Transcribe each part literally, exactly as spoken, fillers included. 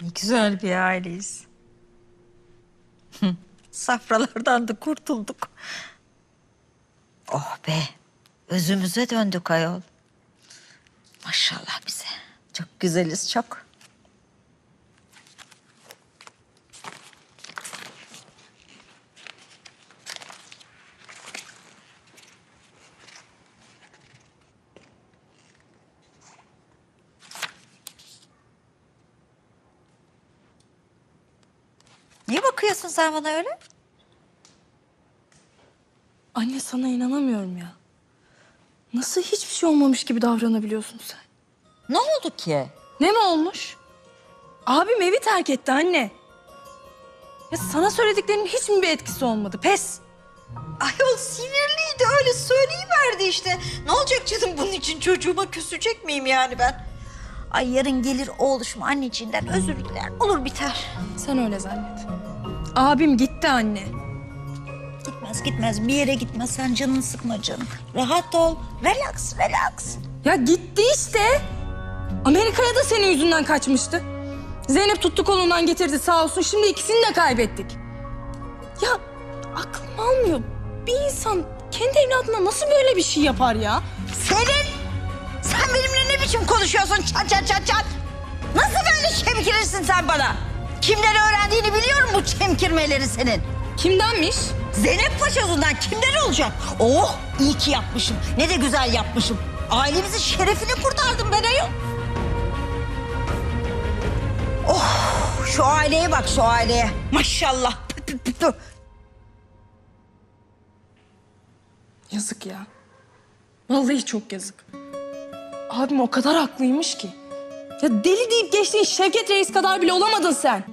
Ne güzel bir aileyiz. Safralardan da kurtulduk. Oh be, özümüze döndük ayol. Maşallah bize. Çok güzeliz, çok. Niye bakıyorsun sen bana öyle? Anne sana inanamıyorum ya. Nasıl hiçbir şey olmamış gibi davranabiliyorsun sen? Ne oldu ki? Ne mi olmuş? Abim evi terk etti anne. Ya sana söylediklerinin hiç mi bir etkisi olmadı? Pes. Ayol sinirliydi, öyle söyleyiverdi işte. Ne olacak canım, bunun için çocuğuma küsecek miyim yani ben? Ay yarın gelir oğluşum anneciğinden özür diler, olur biter. Sen öyle zannet. Abim gitti anne. Gitmez gitmez, bir yere gitmez, sen canını sıkma canım. Rahat ol, relax relax. Ya gitti işte. Amerika'ya da senin yüzünden kaçmıştı. Zeynep tuttu kolundan getirdi sağ olsun. Şimdi ikisini de kaybettik. Ya aklım almıyor. Bir insan kendi evladına nasıl böyle bir şey yapar ya? Selin, sen benimle ne biçim konuşuyorsun çat çat çat çat? Nasıl böyle çemkirirsin sen bana? Kimden öğrendiğini biliyorum bu çemkirmeleri senin. Kimdenmiş? Zeynep Paşa'sından kimden olacak? Oh, iyi ki yapmışım. Ne de güzel yapmışım. Ailemizin şerefini kurtardım ben ayol. Oh, şu aileye bak, şu aileye. Maşallah. Pü, pü, pü, pü. Yazık ya. Vallahi çok yazık. Abim o kadar haklıymış ki. Ya deli deyip geçtiğin Şevket Reis kadar bile olamadın sen.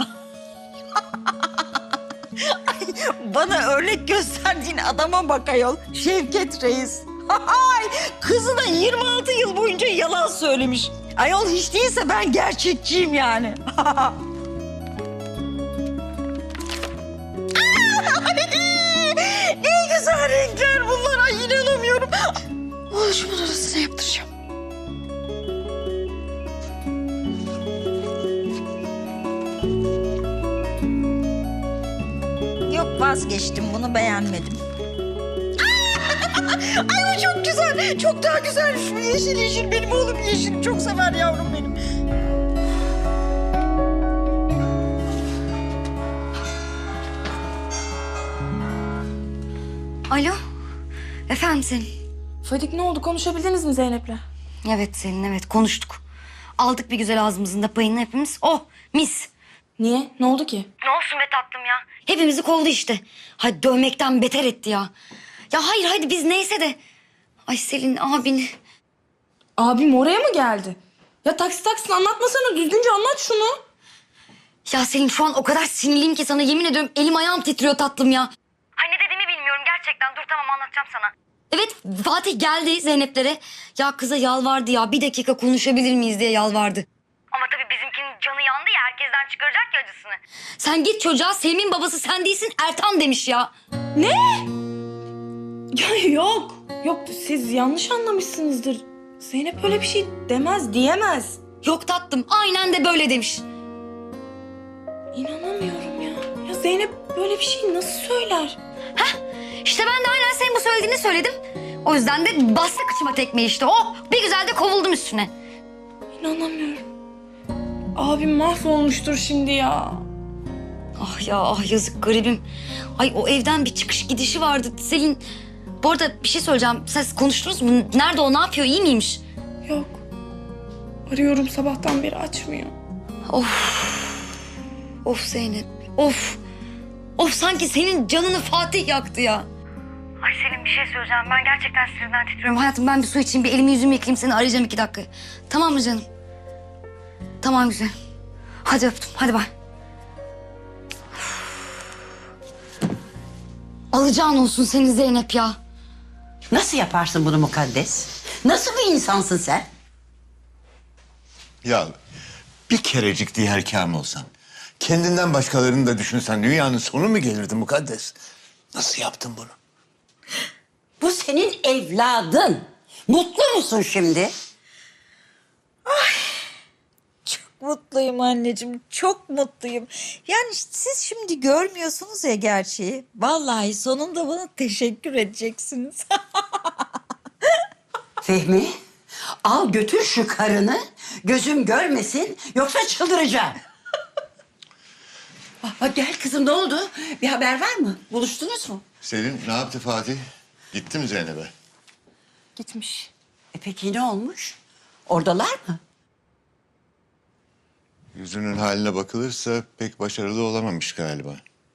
Bana örnek gösterdiğin adama bak ayol. Şevket Reis. Ay, kızı da yirmi altı yıl boyunca yalan söylemiş. Ayol hiç değilse ben gerçekçiyim yani. Ne güzel renkler bunlar. Ay inanamıyorum. Oğluşumun arasına yaptıracağım. Yok, vazgeçtim, bunu beğenmedim. Ay o çok güzel. Çok daha güzel. Şu yeşil yeşil. Benim oğlum yeşil. Çok sever yavrum benim. Alo. Efendim Selin. Fadik ne oldu? Konuşabildiniz mi Zeynep'le? Evet Selin, evet konuştuk. Aldık bir güzel ağzımızın da payını hepimiz. Oh mis. Niye? Ne oldu ki? Ne olsun be tatlım ya. Hepimizi kovdu işte. Hadi dövmekten beter etti ya. Ya hayır hadi biz neyse de. Ay Selin abin. Abim oraya mı geldi? Ya taksi taksi anlatmasana. Düzgünce anlat şunu. Ya Selin şu an o kadar sinirliyim ki sana yemin ediyorum elim ayağım titriyor tatlım ya. Ay ne dediğimi bilmiyorum gerçekten. Dur tamam anlatacağım sana. Evet Fatih geldi Zeynep'lere. Ya kıza yalvardı ya bir dakika konuşabilir miyiz diye yalvardı. Ama tabii bizimkinin canı yandı ya herkesten çıkaracak ya acısını. Sen git çocuğa Selim'in babası sen değilsin Ertan demiş ya. Ne? Ya yok. Yok siz yanlış anlamışsınızdır. Zeynep öyle bir şey demez, diyemez. Yok tatlım aynen de böyle demiş. İnanamıyorum ya. Ya Zeynep böyle bir şey nasıl söyler? İşte ben de aynen senin bu söylediğini söyledim. O yüzden de bastı kıçıma tekmeyi işte. Oh bir güzel de kovuldum üstüne. İnanamıyorum. Abim mahvolmuştur şimdi ya. Ah ya ah yazık garibim. Ay o evden bir çıkış gidişi vardı Selin. Bu arada bir şey söyleyeceğim. Siz konuştunuz mu? Nerede o ne yapıyor iyi miymiş? Yok. Arıyorum sabahtan beri açmıyor. Of. Of Zeynep. Of. Of sanki senin canını Fatih yaktı ya. Ay Selin bir şey söyleyeceğim. Ben gerçekten sinirden titriyorum. Hayatım ben bir su içeyim. Bir elimi yüzümü yıkayayım. Seni arayacağım iki dakika. Tamam mı canım? Tamam güzel. Hadi öptüm. Hadi bay. Alacağın olsun senin Zeynep ya. Nasıl yaparsın bunu mukaddes? Nasıl bir insansın sen? Ya bir kerecik diğer kam olsan, kendinden başkalarını da düşünsen dünyanın sonu mu gelirdi mukaddes? Nasıl yaptın bunu? Bu senin evladın. Mutlu musun şimdi? Çok mutluyum anneciğim, çok mutluyum. Yani siz şimdi görmüyorsunuz ya gerçeği. Vallahi sonunda bana teşekkür edeceksiniz. Fehmi, al götür şu karını. Gözüm görmesin yoksa çıldıracağım. Aa, gel kızım, ne oldu? Bir haber var mı? Buluştunuz mu? Selin ne yaptı Fatih? Gitti mi Zeynep'e? Gitmiş. E peki ne olmuş? Oradalar mı? Yüzünün haline bakılırsa pek başarılı olamamış galiba.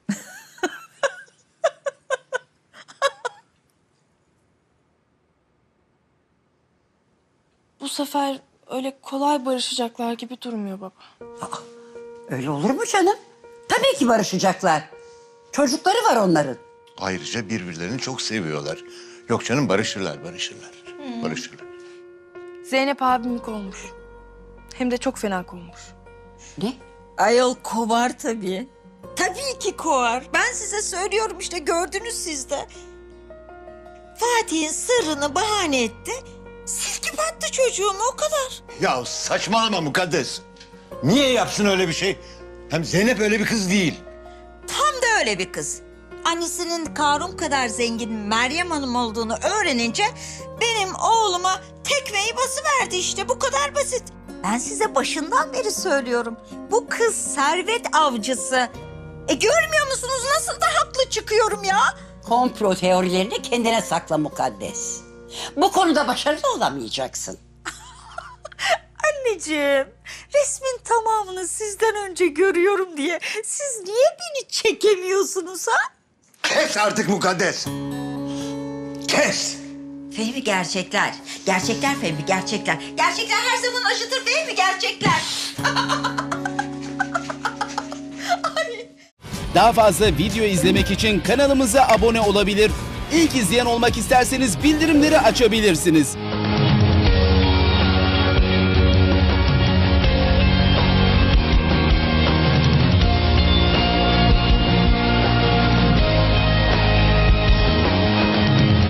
Bu sefer öyle kolay barışacaklar gibi durmuyor baba. Öyle olur mu canım? Tabii ki barışacaklar. Çocukları var onların. Ayrıca birbirlerini çok seviyorlar. Yok canım barışırlar, barışırlar. Barışırlar. Zeynep abimi kovmuş. Hem de çok fena kovmuş. Ne? Ayol kovar tabii. Tabii ki kovar. Ben size söylüyorum işte, gördünüz siz de. Fatih'in sırrını bahane etti. Silkip attı çocuğumu, o kadar. Ya saçmalama Mukaddes. Niye yapsın öyle bir şey? Hem Zeynep öyle bir kız değil. Tam da öyle bir kız. Annesinin Karun kadar zengin Meryem Hanım olduğunu öğrenince benim oğluma tekmeyi basıverdi işte, bu kadar basit. Ben size başından beri söylüyorum. Bu kız servet avcısı. E görmüyor musunuz nasıl da haklı çıkıyorum ya? Komplo teorilerini kendine sakla Mukaddes. Bu konuda başarılı olamayacaksın. Anneciğim, resmin tamamını sizden önce görüyorum diye siz niye beni çekemiyorsunuz ha? Kes artık Mukaddes. Kes. Fehmi gerçekler. Gerçekler Fehmi, gerçekler. Gerçekler her zaman acıtır Fehmi, gerçekler. Daha fazla video izlemek için kanalımıza abone olabilir. İlk izleyen olmak isterseniz bildirimleri açabilirsiniz.